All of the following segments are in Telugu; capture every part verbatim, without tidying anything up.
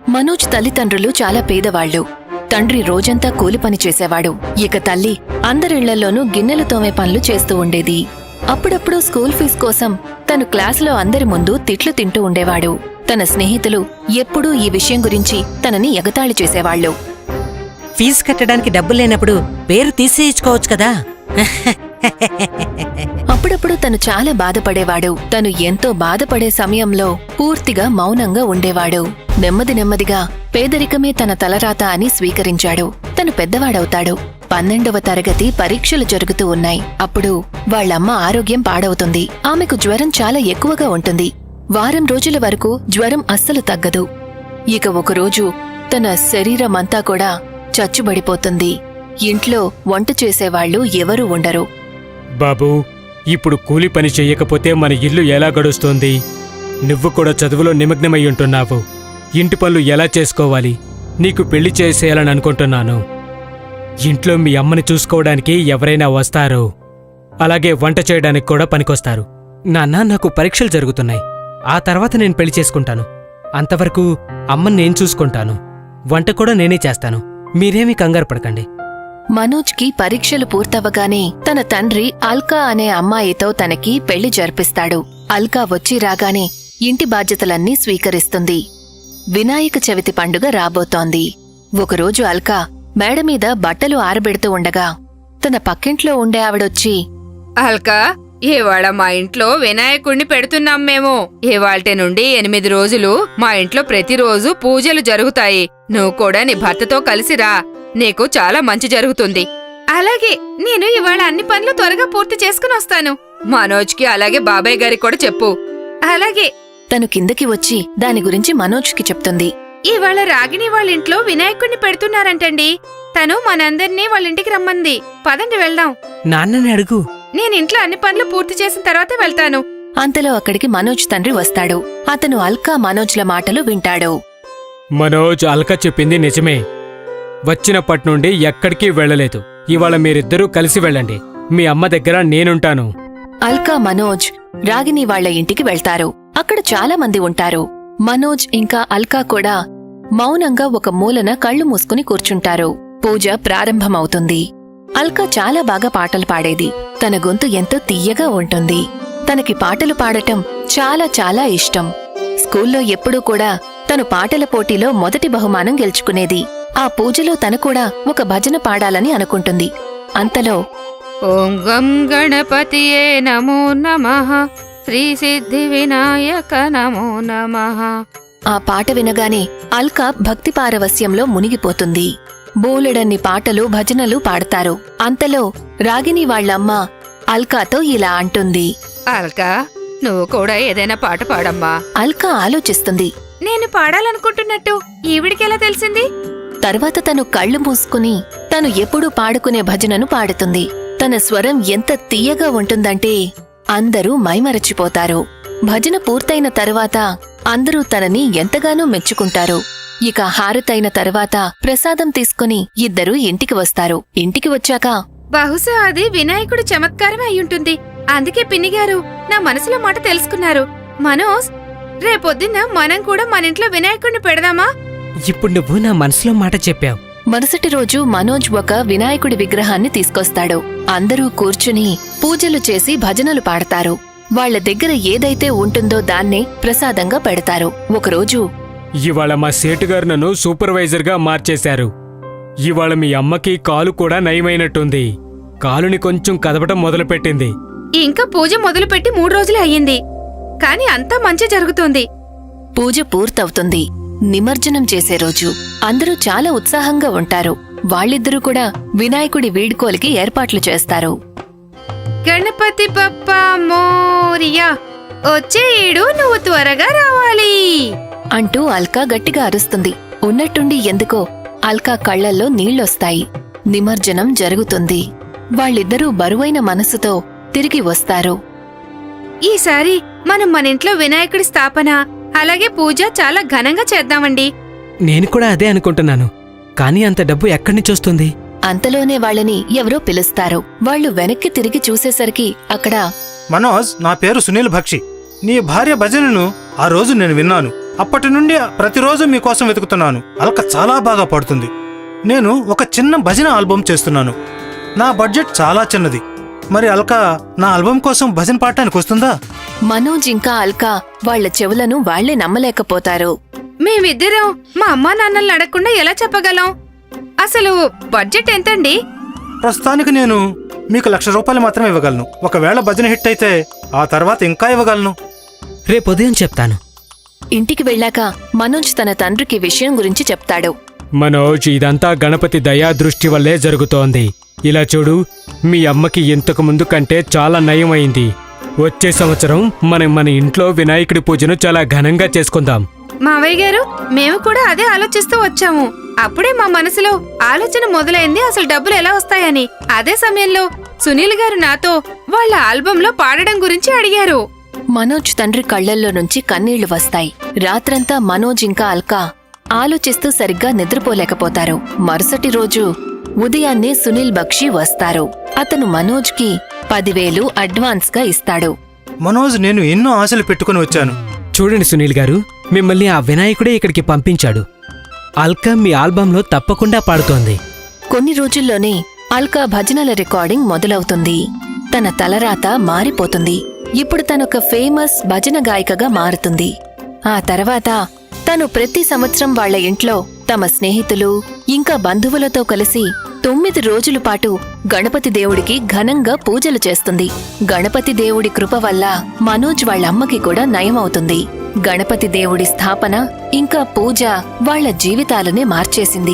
మనోజ్ తల్లిదండ్రులు చాలా పేదవాళ్లు. తండ్రి రోజంతా కూలి పని చేసేవాడు. ఇక తల్లి అందరిళ్లలోనూ గిన్నెలు తోమే పనులు చేస్తూ ఉండేది. అప్పుడప్పుడు స్కూల్ ఫీజు కోసం తను క్లాసులో అందరి ముందు తిట్లు తింటూ ఉండేవాడు. తన స్నేహితులు ఎప్పుడూ ఈ విషయం గురించి తనని ఎగతాళి చేసేవాళ్లు. ఫీజు కట్టడానికి డబ్బులు లేనప్పుడు పేరు తీసేయించుకోవచ్చు కదా. అప్పుడప్పుడు తను చాలా బాధపడేవాడు. తను ఎంతో బాధపడే సమయంలో పూర్తిగా మౌనంగా ఉండేవాడు. నెమ్మది నెమ్మదిగా పేదరికమే తన తలరాత అని స్వీకరించాడు. తను పెద్దవాడవుతాడు. పన్నెండవ తరగతి పరీక్షలు జరుగుతూ ఉన్నాయి. అప్పుడు వాళ్లమ్మ ఆరోగ్యం పాడవుతుంది. ఆమెకు జ్వరం చాలా ఎక్కువగా ఉంటుంది. వారం రోజుల వరకు జ్వరం అస్సలు తగ్గదు. ఇక ఒకరోజు తన శరీరమంతా కూడా చచ్చుబడిపోతుంది. ఇంట్లో వంట చేసేవాళ్లు ఎవరూ ఉండరు. బాబూ, ఇప్పుడు కూలి పని చెయ్యకపోతే మన ఇల్లు ఎలా గడుస్తోంది? నువ్వు కూడా చదువులో నిమగ్నమై ఉంటున్నావు. ఇంటి పనులు ఎలా చేసుకోవాలి? నీకు పెళ్లి చేసేయాలని అనుకుంటున్నాను. ఇంట్లో మీ అమ్మని చూసుకోవడానికి ఎవరైనా వస్తారు. అలాగే వంట చేయడానికి కూడా పనికొస్తారు. నాన్న, నాకు పరీక్షలు జరుగుతున్నాయి. ఆ తర్వాత నేను పెళ్లి చేసుకుంటాను. అంతవరకు అమ్మని నేను చూసుకుంటాను. వంట కూడా నేనే చేస్తాను. మీరేమీ కంగారు పడకండి. మనోజ్కి పరీక్షలు పూర్తవగానే తన తండ్రి అల్కా అనే అమ్మాయితో తనకి పెళ్లి జరిపిస్తాడు. అల్కా వచ్చి రాగానే ఇంటి బాధ్యతలన్నీ స్వీకరిస్తుంది. వినాయక చవితి పండుగ రాబోతోంది. ఒకరోజు అల్కా మేడమీద బట్టలు ఆరబెడుతూ ఉండగా తన పక్కింట్లో ఉండే ఆవిడొచ్చి, అల్కా, ఇవాళ మా ఇంట్లో వినాయకుణ్ణి పెడుతున్నాం మేము. ఇవాళ్టి నుండి ఎనిమిది రోజులు మా ఇంట్లో ప్రతిరోజు పూజలు జరుగుతాయి. నువ్వు కూడా నీ భర్తతో కలిసిరా. నీకు చాలా మంచి జరుగుతుంది. అలాగే, నేను ఇవాళ అన్ని పనులు త్వరగా పూర్తి చేసుకుని వస్తాను. మనోజ్కి అలాగే బాబాయ్ గారికి కూడా చెప్పు. అలాగే. తను కిందకి వచ్చి దాని గురించి మనోజ్కి చెప్తుంది. ఇవాళ రాగిణి వాళ్ళింట్లో వినాయకుణ్ణి పెడుతున్నారంటండి. తను మనందర్నీ వాళ్ళింటికి రమ్మంది. పదండి వెళ్దాం. నాన్నని అడుగు. నేనింట్లో అన్ని పనులు పూర్తి చేసిన తర్వాతే వెళ్తాను. అంతలో అక్కడికి మనోజ్ తండ్రి వస్తాడు. అతను అల్కా మనోజ్ల మాటలు వింటాడు. మనోజ్, అల్కా చెప్పింది నిజమే. వచ్చినప్పట్నుండి ఎక్కడికి వెళ్లలేదు. ఇవాళ మీరిద్దరూ కలిసి వెళ్ళండి. మీ అమ్మ దగ్గర నేనుంటాను. అల్కా మనోజ్ రాగిని వాళ్ల ఇంటికి వెళ్తారు. అక్కడ చాలా మంది ఉంటారు. మనోజ్ ఇంకా అల్కా కూడా మౌనంగా ఒక మూలన కళ్ళు మూసుకుని కూర్చుంటారు. పూజ ప్రారంభమవుతుంది. అల్కా చాలా బాగా పాటలు పాడేది. తన గొంతు ఎంతో తీయగా ఉంటుంది. తనకి పాటలు పాడటం చాలా చాలా ఇష్టం. స్కూల్లో ఎప్పుడూ కూడా తను పాటల పోటీలో మొదటి బహుమానం గెలుచుకునేది. ఆ పూజలో తను కూడా ఒక భజన పాడాలని అనుకుంటుంది. అంతలో ఓం గం గణపతియే నమో నమః, శ్రీ సిద్ధి వినాయక నమో నమః. ఆ పాట వినగానే అల్కా భక్తి పారవస్యంలో మునిగిపోతుంది. బోలెడన్ని పాటలు భజనలు పాడతారు. అంతలో రాగిని వాళ్లమ్మ అల్కాతో ఇలా అంటుంది. అల్కా, నువ్వు కూడా ఏదైనా పాట పాడమ్మా. అల్కా ఆలోచిస్తుంది. నేను పాడాలనుకుంటున్నట్టు ఈవిడికెలా తెలిసింది? తర్వాత తను కళ్ళు మూసుకుని తను ఎప్పుడూ పాడుకునే భజనను పాడుతుంది. తన స్వరం ఎంత తీయగా ఉంటుందంటే అందరూ మైమరచిపోతారు. భజన పూర్తయిన తరువాత అందరూ తనని ఎంతగానో మెచ్చుకుంటారు. ఇక హారతైన తరువాత ప్రసాదం తీసుకుని ఇద్దరూ ఇంటికి వస్తారు. ఇంటికి వచ్చాక, బహుశా అది వినాయకుడి చమత్కారమే అయ్యుంటుంది. అందుకే పిన్నిగారు నా మనసులో మాట తెలుసుకున్నారు. మనోజ్, రేపొద్దున్న మనం కూడా మన ఇంట్లో వినాయకుడిని పెడదామా? ఇప్పుడు నువ్వు నా మనసులో మాట చెప్పావు. మరుసటి రోజు మనోజ్ ఒక వినాయకుడి విగ్రహాన్ని తీసుకొస్తాడు. అందరూ కూర్చుని పూజలు చేసి భజనలు పాడతారు. వాళ్ల దగ్గర ఏదైతే ఉంటుందో దాన్నే ప్రసాదంగా పెడతారు. ఒకరోజు, ఇవాళ మా సేటుగారు నన్ను సూపర్వైజర్గా మార్చేశారు. ఇవాళ మీ అమ్మకి కాలు కూడా నయమైనట్టుంది. కాలుని కొంచెం కదపటం మొదలుపెట్టింది. ఇంకా పూజ మొదలుపెట్టి మూడు రోజులే అయ్యింది. కాని అంతా మంచి జరుగుతోంది. పూజ పూర్తవుతుంది. నిమజ్జనం చేసే రోజు అందరూ చాలా ఉత్సాహంగా ఉంటారు. వాళ్ళిద్దరూ కూడా వినాయకుడి వీడ్కోలికి ఏర్పాట్లు చేస్తారు. గణపతి బప్పా మోరియా, వచ్చే ఏడు నువ్వు త్వరగా రావాలి అంటూ అల్కా గట్టిగా అరుస్తుంది. ఉన్నట్టుండి ఎందుకో అల్కా కళ్లల్లో నీళ్లొస్తాయి. నిమజ్జనం జరుగుతుంది. వాళ్ళిద్దరూ బరువైన మనసుతో తిరిగి వస్తారు. ఈసారి మనం మన ఇంట్లో వినాయకుడి స్థాపన అలాగే పూజ చాలా ఘనంగా చేద్దామండి. నేను కూడా అదే అనుకుంటున్నాను. కానీ అంత డబ్బు ఎక్కడి నుంచి వస్తుంది? అంతలోనే వాళ్ళని ఎవరో పిలుస్తారు. వాళ్ళు వెనక్కి తిరిగి చూసేసరికి అక్కడ, మనోజ్, నా పేరు సునీల్ భక్షి. నీ భార్య భజనను ఆ రోజు నేను విన్నాను. అప్పటి నుండి ప్రతిరోజు మీకోసం వెతుకుతున్నాను. అల్క చాలా బాగా పాడుతుంది. నేను ఒక చిన్న భజన ఆల్బమ్ చేస్తున్నాను. నా బడ్జెట్ చాలా చిన్నది. మరి అల్క నా ఆల్బమ్ కోసం భజన పాడటానికి వస్తుందా? మనోజ్ ఇంకా అల్కా వాళ్ల చెవులను వాళ్లే నమ్మలేకపోతారు. మేమిద్దరం మా అమ్మా నాన్నల్ని అడగకుండా ఎలా చెప్పగలం? అసలు బడ్జెట్ ఎంతండి? ప్రస్తుతానికి నేను మీకు లక్ష రూపాయలు మాత్రమే ఇవ్వగలను. ఒకవేళ భజన హిట్ అయితే ఆ తర్వాత ఇంకా ఇవ్వగలను. రేపు ఉదయం చెప్తాను. ఇంటికి వెళ్ళాక మనోజ్ తన తండ్రికి విషయం గురించి చెప్తాడు. మనోజ్, ఇదంతా గణపతి దయా దృష్టి వల్లే జరుగుతోంది. ఇలా చూడు, మీ అమ్మకి ఇంతకు ముందు కంటే చాలా నయమైంది. వచ్చే సంవత్సరం మనం మన ఇంట్లో వినాయకుడి పూజను చాలా ఘనంగా చేసుకుందాం. మావయ్య గారు, మేము కూడా అదే ఆలోచిస్తూ వచ్చాము. అప్పుడే మా మనసులో ఆలోచన మొదలైంది అసలు డబ్బులు ఎలా వస్తాయని. అదే సమయంలో సునీల్ గారు నాతో వాళ్ళ ఆల్బంలో పాడడం గురించి అడిగారు. మనోజ్ తండ్రి కళ్లల్లో నుంచి కన్నీళ్లు వస్తాయి. రాత్రంతా మనోజ్ ఇంకా అల్కా ఆలోచిస్తూ సరిగ్గా నిద్రపోలేకపోతారు. మరుసటి రోజు ఉదయాన్నే సునీల్ బక్షి వస్తారు. అతను మనోజ్కి పదివేలు అడ్వాన్స్ గా ఇస్తాడు. మనోజ్, నేను ఎన్నో ఆశలు పెట్టుకుని వచ్చాను. చూడండి సునీల్ గారు, మిమ్మల్ని ఆ వినాయకుడే ఇక్కడికి పంపించాడు. అల్కా మీ ఆల్బంలో తప్పకుండా పాడుతోంది. కొన్ని రోజుల్లోనే అల్కా భజనల రికార్డింగ్ మొదలవుతుంది. తన తలరాత మారిపోతుంది. ఇప్పుడు తనొక ఫేమస్ భజన గాయికగా మారుతుంది. ఆ తర్వాత తను ప్రతి సంవత్సరం వాళ్ల ఇంట్లో తమ స్నేహితులు ఇంకా బంధువులతో కలిసి తొమ్మిది రోజుల పాటు గణపతి దేవుడికి ఘనంగా పూజలు చేస్తుంది. గణపతి దేవుడి కృప వల్ల మనోజ్ వాళ్ళమ్మకి కూడా నయమవుతుంది. గణపతి దేవుడి స్థాపన ఇంకా పూజ వాళ్ల జీవితాలనే మార్చేసింది.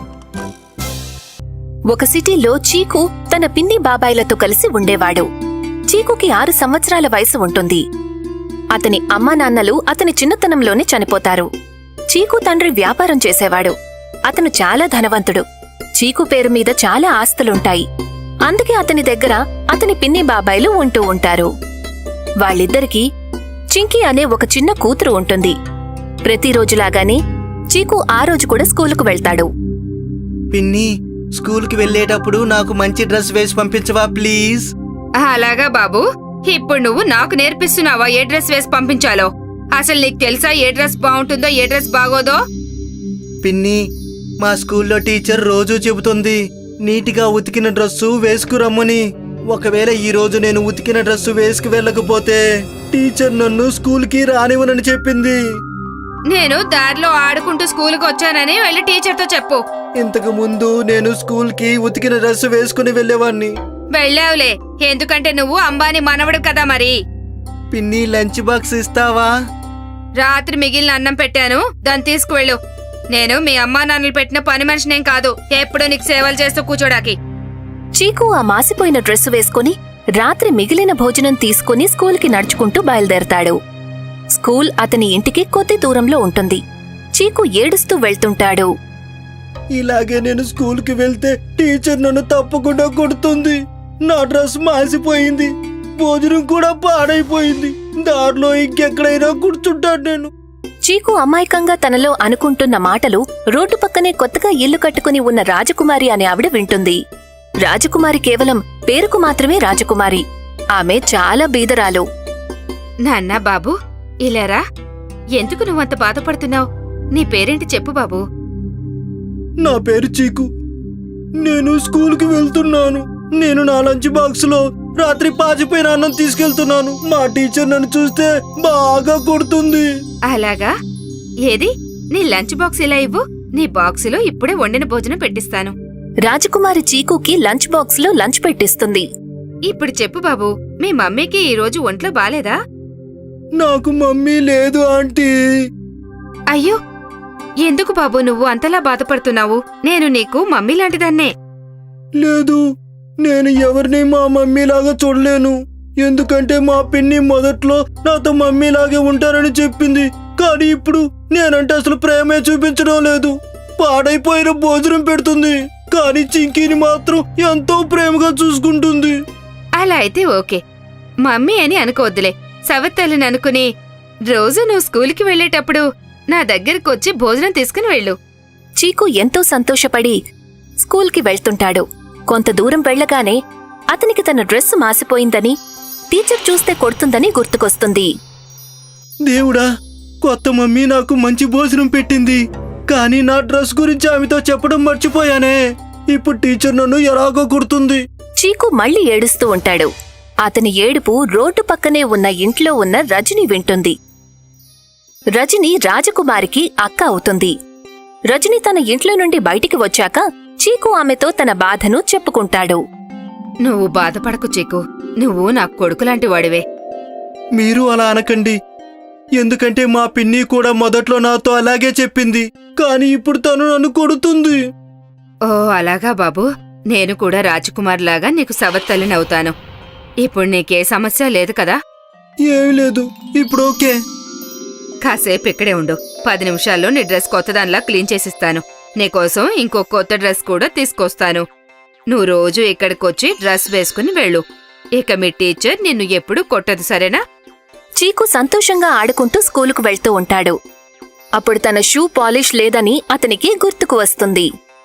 ఒక సిటీలో చీకు తన పిన్ని బాబాయిలతో కలిసి ఉండేవాడు. చీకుకి ఆరు సంవత్సరాల వయసు ఉంటుంది. అతని అమ్మా నాన్నలు అతని చిన్నతనంలోనే చనిపోతారు. చీకు తండ్రి వ్యాపారం చేసేవాడు. అతను చాలా ధనవంతుడు. చీకు పేరు మీద చాలా ఆస్తులుంటాయి. అందుకే అతని దగ్గర అతని పిన్ని బాబాయిలు ఉంటూ ఉంటారు. వాళ్ళిద్దరికీ చింకీ అనే ఒక చిన్న కూతురు ఉంటుంది. ప్రతిరోజులాగానే చీకు ఆ రోజు కూడా స్కూలుకు వెళ్తాడు. పిన్ని, స్కూల్కి వెళ్ళేటప్పుడు నాకు మంచి డ్రెస్ వేసి పంపించవా ప్లీజ్? అలాగా బాబు, ఇప్పుడు నువ్వు నాకు నేర్పిస్తున్నావా ఏ డ్రెస్ వేసి పంపించాలో? అసలు నీకు తెలుసా ఏ డ్రెస్ బాగుంటుందో ఏ డ్రెస్ బాగోదో? పిన్ని, మా స్కూల్లో టీచర్ రోజూ చెబుతుంది నీటిగా ఉతికిన డ్రెస్సు వేసుకురమ్మని. ఒకవేళ ఈ రోజు నేను ఉతికిన డ్రెస్సు వేసుకు వెళ్ళకపోతే టీచర్ నన్ను స్కూల్కి రానివ్వనని చెప్పింది. నేను దారిలో ఆడుకుంటూ స్కూల్కి వచ్చానని వెళ్ళి టీచర్తో చెప్పు. ఇంతకు ముందు నేను స్కూల్కి ఉతికిన డ్రెస్సు వేసుకుని వెళ్ళేవాణ్ణి. వెళ్ళావులే, ఎందుకంటే నువ్వు అంబానీ మనవడు కదా. మరి పిన్ని, లంచ్ బాక్స్ ఇస్తావా? రాత్రి మిగిలిన అన్నం పెట్టాను, దాన్ని తీసుకువెళ్ళు. నేను మీ అమ్మా నాన్నలు పెట్టిన పని మనిషినేం కాదు, ఎప్పుడూ నీకు సేవలు చేస్తూ కూర్చోడానికి. చీకు ఆ మాసిపోయిన డ్రెస్సు వేసుకుని రాత్రి మిగిలిన భోజనం తీసుకుని స్కూల్కి నడుచుకుంటూ బయలుదేరతాడు. స్కూల్ అతని ఇంటికి కొద్ది దూరంలో ఉంటుంది. చీకు ఏడుస్తూ వెళ్తుంటాడు. ఇలాగే నేను స్కూల్కి వెళ్తే టీచర్ నన్ను తప్పకుండా కొడుతుంది. నా డ్రెస్ మాసిపోయింది, భోజనం కూడా పాడైపోయింది. దారిలో ఇంకెక్కడైనా కూర్చుంటాను నేను. చీకు అమాయకంగా తనలో అనుకుంటున్న మాటలు రోడ్డు పక్కనే కొత్తగా ఇల్లు కట్టుకుని ఉన్న రాజకుమారి అనే ఆవిడ వింటుంది. రాజకుమారి కేవలం పేరుకు మాత్రమే రాజకుమారి. ఆమె చాలా బీదరాలు. నాన్నా బాబు, ఇలారా. ఎందుకు నువ్వంత బాధపడుతున్నావు? నీ పేరేంటి చెప్పు బాబు. నా పేరు చీకు. నేను స్కూల్కి వెళ్తున్నాను. నేను నా లంచ్ బాక్స్ లో రాత్రి పాచిపోయిన అన్నం తీసుకెళ్తున్నాను. మా టీచర్ నన్ను చూస్తే బాగా కొడుతుంది. అలాగా? ఏది నీ లంచ్ బాక్స్ ఇలా ఇవ్వు, నీ బాక్సులో ఇప్పుడే వండిన భోజనం పెట్టిస్తాను. రాజకుమారి చీకుకి లంచ్ బాక్స్ లో లంచ్ పెట్టిస్తుంది. ఇప్పుడు చెప్పు బాబు, మీ మమ్మీకి ఈ రోజు ఒంట్లో బాలేదా? నాకు మమ్మీ లేదు ఆంటీ. అయ్యో, ఎందుకు బాబు నువ్వు అంతలా బాధపడుతున్నావు? నేను నీకు మమ్మీ లాంటిదాన్నే. లేదు, నేను ఎవరిని మా మమ్మీలాగా చూడలేను. ఎందుకంటే మా పిన్ని మొదట్లో నాతో మమ్మీలాగే ఉంటారని చెప్పింది. కానీ ఇప్పుడు నేనంటే అసలు ప్రేమే చూపించడం లేదు. పాడైపోయిన భోజనం పెడుతుంది, కానీ చింకీని మాత్రం ఎంతో ప్రేమగా చూసుకుంటుంది. అలా అయితే ఓకే, మమ్మీ అని అనుకోవద్దులే, సవత్తల్లిని అనుకుని రోజు నువ్వు స్కూల్కి వెళ్లేటప్పుడు నా దగ్గరకొచ్చి భోజనం తీసుకుని వెళ్ళు. చీకు ఎంతో సంతోషపడి స్కూల్కి వెళ్తుంటాడు. కొంత దూరం వెళ్లగానే అతనికి తన డ్రెస్సు మాసిపోయిందని, టీచర్ చూస్తే కొడుతుందని గుర్తుకొస్తుంది. దేవుడా, కొత్త మమ్మీ నాకు మంచి భోజనం పెట్టింది, కానీ నా డ్రెస్ గురించి ఆమెతో చెప్పడం మర్చిపోయానే. ఇప్పుడు టీచర్ నన్ను ఎలాగో కుడుతుంది. చీకు మళ్ళీ ఏడుస్తూ ఉంటాడు. అతని ఏడుపు రోడ్డు పక్కనే ఉన్న ఇంట్లో ఉన్న రజని వింటుంది. రజని రాజకుమారికి అక్క అవుతుంది. రజని తన ఇంట్లో నుండి బయటికి వచ్చాక చీకు ఆమెతో తన బాధను చెప్పుకుంటాడు. నువ్వు బాధపడకు చీకు, నువ్వు నా కొడుకులాంటి వాడివే. మీరు అలా అనకండి, ఎందుకంటే మా పిన్ని కూడా మొదట్లో నాతో అలాగే చెప్పింది, కానీ ఇప్పుడు తను నన్ను కొడుతుంది. ఓ అలాగా బాబు, నేను కూడా రాజకుమార్ లాగా నీకు సవత్తల్లినవుతాను. ఇప్పుడు నీకే సమస్య లేదు కదా? ఏమీ లేదు, ఇప్పుడు ఓకే. కాసేపు ఇక్కడే ఉండు, పది నిమిషాల్లో నీ డ్రెస్ కొత్తదానిలా క్లీన్ చేసిస్తాను. నీకోసం ఇంకో కొత్త డ్రెస్ కూడా తీసుకొస్తాను. నువ్వు రోజు ఇక్కడికొచ్చి డ్రెస్ వేసుకుని వెళ్ళు. ఇక మీ టీచర్ నిన్ను ఎప్పుడూ కొట్టదు, సరేనా? చీకు సంతోషంగా ఆడుకుంటూ స్కూలుకు వెళ్తూ ఉంటాడు. అప్పుడు తన షూ పాలిష్ లేదని అతనికి గుర్తుకు వస్తుంది.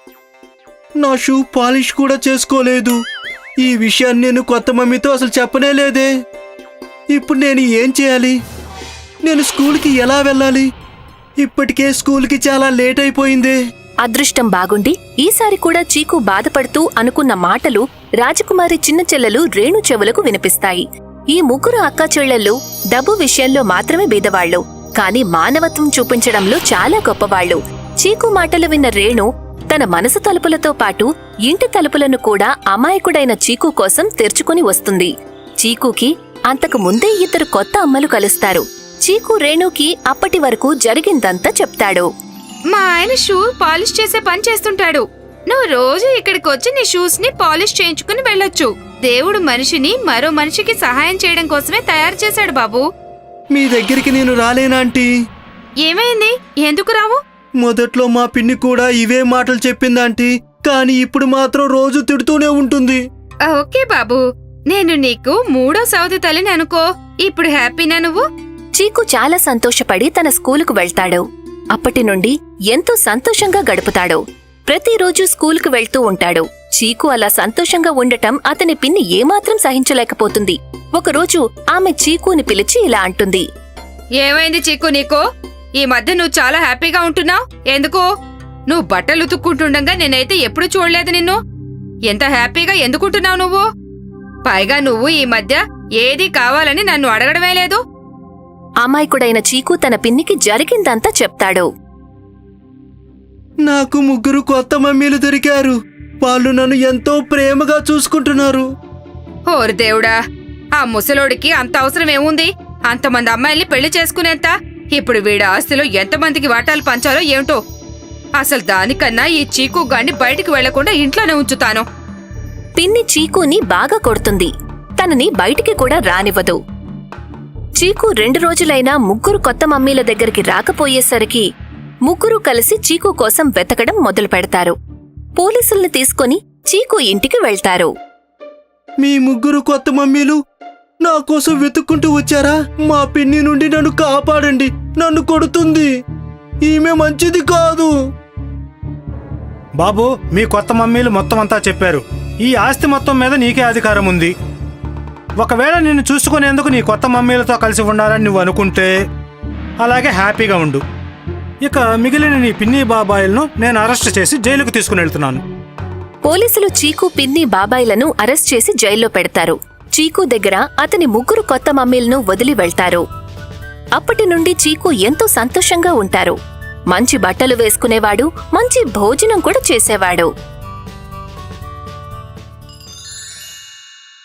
నా షూ పాలిష్ కూడా చేసుకోలేదు. ఈ విషయాన్ని నేను కొత్త మమ్మీతో అసలు చెప్పనే లేదే. ఇప్పుడు నేను ఏం చేయాలి? నేను స్కూల్కి ఎలా వెళ్ళాలి? ఇప్పటికే స్కూల్కి చాలా లేట్ అయిపోయిందే. అదృష్టం బాగుండి ఈసారి కూడా చీకు బాధపడుతూ అనుకున్న మాటలు రాజకుమారి చిన్న చెల్లెలు రేణు చెవులకు వినిపిస్తాయి. ఈ ముగ్గురు అక్కా చెల్లెళ్ళు డబ్బు విషయంలో మాత్రమే బీదవాళ్లు, కాని మానవత్వం చూపించడంలో చాలా గొప్పవాళ్లు. చీకు మాటలు విన్న రేణు తన మనసు తలుపులతో పాటు ఇంటి తలుపులను కూడా అమాయకుడైన చీకు కోసం తెరుచుకుని వస్తుంది. చీకుకి అంతకు ముందే ఇద్దరు కొత్త అమ్మలు కలుస్తారు. చీకు రేణుకి అప్పటి వరకు జరిగిందంతా చెప్తాడు. మా ఆయన షూ పాలిష్ చేసే పని చేస్తుంటాడు. నువ్వు రోజు ఇక్కడికి వచ్చి నీ షూస్ ని పాలిష్ చేయించుకుని వెళ్ళొచ్చు. దేవుడు మనిషిని మరో మనిషికి సహాయం చేయడం కోసమే తయారు చేశాడు బాబు. మీ దగ్గరికి నేను రాలేనాంటీ? ఏమైంది? ఎందుకు రావు? మొదట్లో మా పిన్ని కూడా ఇవే మాటలు చెప్పిందాంటీ, కానీ ఇప్పుడు మాత్రం రోజు తిడుతూనే ఉంటుంది. ఓకే బాబు, నేను నీకు మూడో సౌది తల్లిని అనుకో. ఇప్పుడు హ్యాపీనా నువ్వు? చీకు చాలా సంతోషపడి తన స్కూలుకు వెళ్తాడు. అప్పటి నుండి ఎంతో సంతోషంగా గడుపుతాడు. ప్రతిరోజూ స్కూలుకు వెళ్తూ ఉంటాడు. చీకు అలా సంతోషంగా ఉండటం అతని పిన్ని ఏమాత్రం సహించలేకపోతుంది. ఒకరోజు ఆమె చీకుని పిలిచి ఇలా అంటుంది. ఏమైంది చీకు నీకు? ఈ మధ్య నువ్వు చాలా హ్యాపీగా ఉంటున్నావు. ఎందుకు? నువ్వు బట్టలు ఉతుక్కుంటుండగా నేనైతే ఎప్పుడు చూడలేదు నిన్ను. ఎంత హ్యాపీగా ఎందుకుంటున్నావు నువ్వు? పైగా నువ్వు ఈ మధ్య ఏది కావాలని నన్ను అడగడమే లేదు. అమాయకుడైన చీకు తన పిన్నికి జరిగిందంతా చెప్తాడు. నాకు ముగ్గురు కొత్త మమ్మీలు దొరికారు. వాళ్ళు నన్ను ఎంతో ప్రేమగా చూసుకుంటున్నారు. ఓరి దేవుడా, ఆ ముసలోడికి అంత అవసరం ఏముంది? అంతమంది అమ్మాయిల్ని పెళ్లి చేసుకునేంత? ఇప్పుడు వీడి ఆస్తిలో ఎంతమందికి వాటాలు పంచాలో ఏమిటో. అసలు దానికన్నా ఈ చీకు గాన్ని బయటికి వెళ్లకుండా ఇంట్లోనే ఉంచుతాను. పిన్ని చీకుని బాగా కొడుతుంది. తనని బయటికి కూడా రానివ్వదు. చీకు రెండు రోజులైనా ముగ్గురు కొత్త మమ్మీల దగ్గరికి రాకపోయేసరికి ముగ్గురు కలిసి చీకు కోసం వెతకడం మొదలు పెడతారు. పోలీసుల్ని తీసుకుని చీకు ఇంటికి వెళ్తారు. మీ ముగ్గురు కొత్త మమ్మీలు నా కోసం వెతుక్కుంటూ వచ్చారా? మా పిన్ని నుండి నన్ను కాపాడండి, నన్ను కొడుతుంది. ఈమె మంచిది కాదు. బాబు, మీ కొత్త మమ్మీలు మొత్తం అంతా చెప్పారు. ఈ ఆస్తి మొత్తం మీద నీకే అధికారం ఉంది. ఒకవేళ నిన్ను చూసుకునేందుకు నీ కొత్త మమ్మీలతో కలిసి ఉండాలని నువ్వు అనుకుంటే అలాగే హ్యాపీగా ఉండు. ఇక మిగిలిన నీ పిన్ని బాబాయిలను నేను అరెస్ట్ చేసి జైలుకు తీసుకుని వెళ్తున్నాను. పోలీసులు చీకు పిన్ని బాబాయిలను అరెస్ట్ చేసి జైల్లో పెడతారు. చీకు దగ్గర అతని ముగ్గురు కొత్త మమ్మీలను వదిలి వెళ్తారు. అప్పటి నుండి చీకు ఎంతో సంతోషంగా ఉంటారు. మంచి బట్టలు వేసుకునేవాడు, మంచి భోజనం కూడా చేసేవాడు.